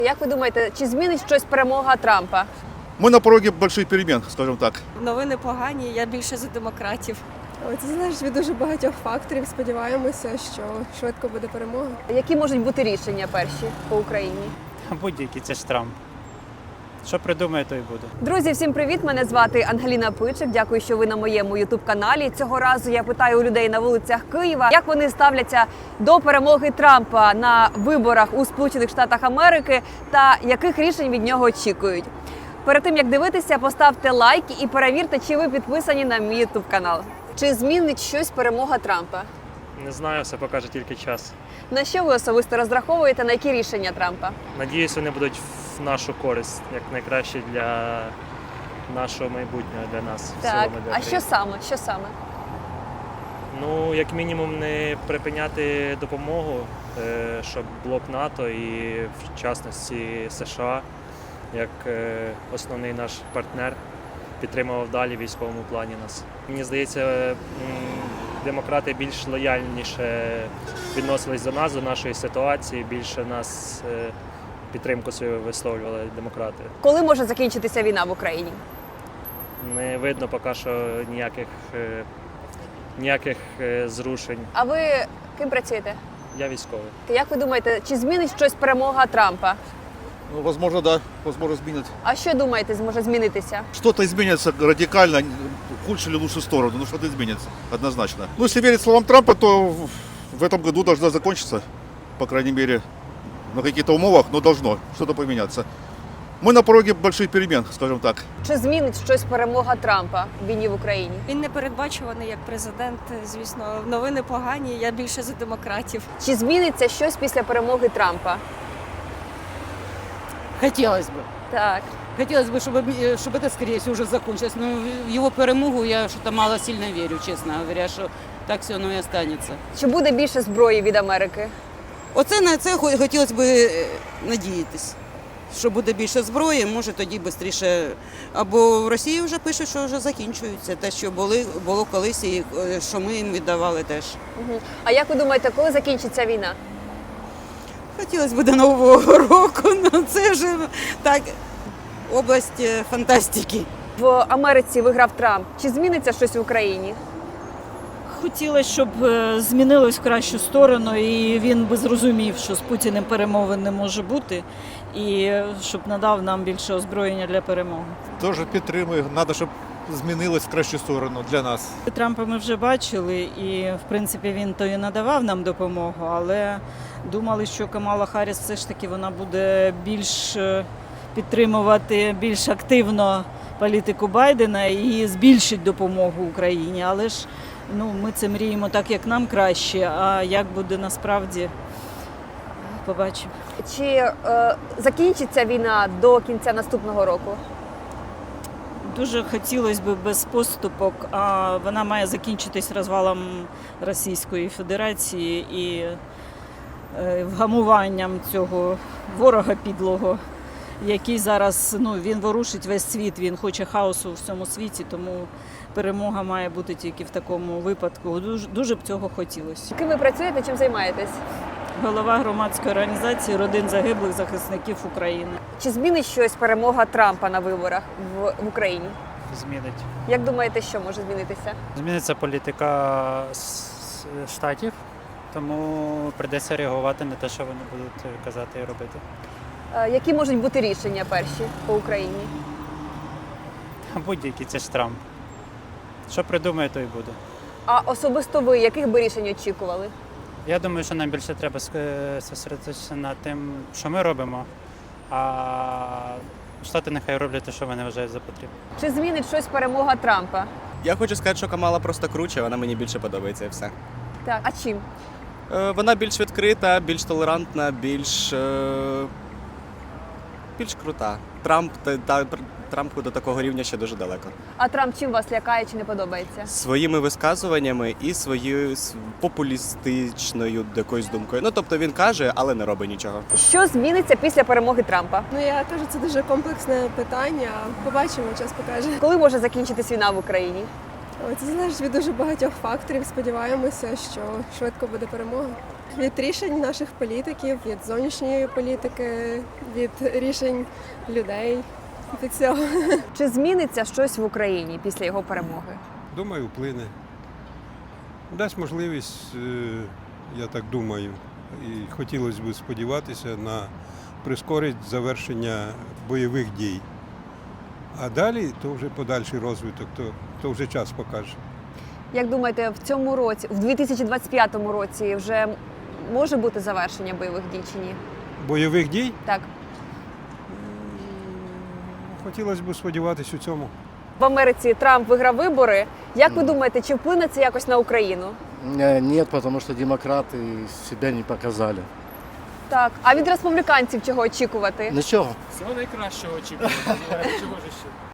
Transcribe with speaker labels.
Speaker 1: Як ви думаєте, чи змінить щось перемога Трампа?
Speaker 2: Мы на пороге больших перемен, скажем так.
Speaker 3: Новини погані, я більше за демократів.
Speaker 4: Це залежить від дуже багатьох факторів. Сподіваємося, що швидко буде перемога.
Speaker 1: Які можуть бути рішення перші по Україні?
Speaker 5: Будь-які, це ж Трамп. Що придумає, то й буде.
Speaker 1: Друзі, всім привіт! Мене звати Ангеліна Пичик. Дякую, що ви на моєму ютуб-каналі. Цього разу я питаю у людей на вулицях Києва, як вони ставляться до перемоги Трампа на виборах у Сполучених Штатах Америки та яких рішень від нього очікують. Перед тим, як дивитися, поставте лайк і перевірте, чи ви підписані на мій ютуб-канал. Чи змінить щось перемога Трампа?
Speaker 6: Не знаю, все покаже тільки час.
Speaker 1: На що ви особисто розраховуєте, на які рішення Трампа?
Speaker 6: Надіюсь, вони будуть в нашу користь, як найкраще для нашого майбутнього, для нас. в
Speaker 1: Так,
Speaker 6: цілому, для
Speaker 1: а що
Speaker 6: країни.
Speaker 1: саме? Що саме?
Speaker 6: Ну, як мінімум, не припиняти допомогу, щоб блок НАТО і, в частності, США, як основний наш партнер, підтримував далі в військовому плані нас. Мені здається, демократи більш лояльніше відносились до нас, до нашої ситуації, більше нас підтримку свою висловлювали демократи.
Speaker 1: Коли може закінчитися війна в Україні?
Speaker 6: Не видно поки що ніяких зрушень.
Speaker 1: А ви ким працюєте?
Speaker 6: Я військовий.
Speaker 1: Як ви думаєте, чи змінить щось перемога Трампа?
Speaker 2: Ну, возможно, да, возможно, изменит.
Speaker 1: А що думаєте, зможе змінитися?
Speaker 2: Что-то изменится радикально, в худшую или лучшую сторону, но что-то изменится, однозначно. Ну, если верить словам Трампа, то в этом году должна закончиться, по крайней мере, на каких-то умовах, но должно что-то поменяться. Мы на пороге больших перемен, скажем так.
Speaker 1: Чи змінить щось перемога Трампа в війні в Україні?
Speaker 3: Він не передбачуваний як президент. Звісно, новини погані, я більше за демократів.
Speaker 1: Чи зміниться щось після перемоги Трампа?
Speaker 7: Хотелось бы.
Speaker 1: Так.
Speaker 7: Хотелось бы, чтобы это, скорее всего, уже закончилось. Но в его перемогу я что-то мало сильно верю, честно говоря, що так все воно і останеться.
Speaker 1: Чи буде більше зброї від Америки?
Speaker 7: Оце на це хотілося б надіятись, що буде більше зброї, може тоді швидше. Або в Росії вже пишуть, що вже закінчується те, що було колись, і що ми їм віддавали теж.
Speaker 1: Угу. А як ви думаєте, коли закінчиться війна?
Speaker 7: Хотілося б до Нового року, але це вже так, область фантастики.
Speaker 1: В Америці виграв Трамп. Чи зміниться щось в Україні?
Speaker 8: Хотілося, щоб змінилось в кращу сторону, і він би зрозумів, що з Путіним перемовин не може бути, і щоб надав нам більше озброєння для перемоги.
Speaker 9: Дуже підтримую. Треба, щоб змінилось в кращу сторону для нас.
Speaker 8: Трампа ми вже бачили, і в принципі він то і надавав нам допомогу, але думали, що Камала Харріс все ж таки вона буде більш підтримувати більш активно політику Байдена і збільшить допомогу Україні. Але ж ми це мріємо так, як нам краще, а як буде насправді, побачимо.
Speaker 1: Чи закінчиться війна до кінця наступного року?
Speaker 8: Дуже хотілося б без поступок, а вона має закінчитись розвалом Російської Федерації і вгамуванням цього ворога підлого, який зараз, він ворушить весь світ, він хоче хаосу в всьому світі, тому перемога має бути тільки в такому випадку. Дуже б цього хотілося.
Speaker 1: Ким ви працюєте, чим займаєтесь?
Speaker 8: Голова громадської організації родин загиблих захисників України.
Speaker 1: Чи змінить щось перемога Трампа на виборах в Україні?
Speaker 5: Змінить.
Speaker 1: Як думаєте, що може змінитися?
Speaker 5: Зміниться політика штатів, тому прийдеться реагувати на те, що вони будуть казати і робити.
Speaker 1: Які можуть бути рішення перші по Україні?
Speaker 5: Будь-які, це ж Трамп. Що придумає, то й буде.
Speaker 1: А особисто ви, яких би рішень очікували?
Speaker 5: Я думаю, що нам більше треба зосередитися на тим, що ми робимо, а Штати нехай роблять те, що вони вважають за потрібне.
Speaker 1: Чи змінить щось перемога Трампа?
Speaker 10: Я хочу сказати, що Камала просто круче, вона мені більше подобається і все.
Speaker 1: Так, а чим?
Speaker 10: Вона більш відкрита, більш толерантна, більш крута. Трампу до такого рівня ще дуже далеко.
Speaker 1: А Трамп чим вас лякає чи не подобається?
Speaker 10: Своїми висказуваннями і своєю популістичною якоюсь думкою. Тобто він каже, але не робить нічого.
Speaker 1: Що зміниться після перемоги Трампа?
Speaker 4: Я кажу, це дуже комплексне питання. Побачимо, час покаже.
Speaker 1: Коли може закінчитись війна в Україні?
Speaker 4: Це залежить від дуже багатьох факторів. Сподіваємося, що швидко буде перемога. Від рішень наших політиків, від зовнішньої політики, від рішень людей, від цього.
Speaker 1: Чи зміниться щось в Україні після його перемоги?
Speaker 11: Думаю, вплине. Дасть можливість, я так думаю, і хотілося б сподіватися на прискорить завершення бойових дій. А далі то вже подальший розвиток, то вже час покаже.
Speaker 1: Як думаєте, в цьому році, в 2025 році вже може бути завершення бойових дій чи ні?
Speaker 11: Бойових дій?
Speaker 1: Так.
Speaker 11: Хотілося б сподіватися у цьому.
Speaker 1: В Америці Трамп виграв вибори. Як ви думаєте, чи вплине це якось на Україну?
Speaker 12: Нет, потому что демократы себя не показали.
Speaker 1: Так. А від республіканців чого очікувати?
Speaker 12: Ничего.
Speaker 6: Всього найкращого очікувати. Чого ж ще?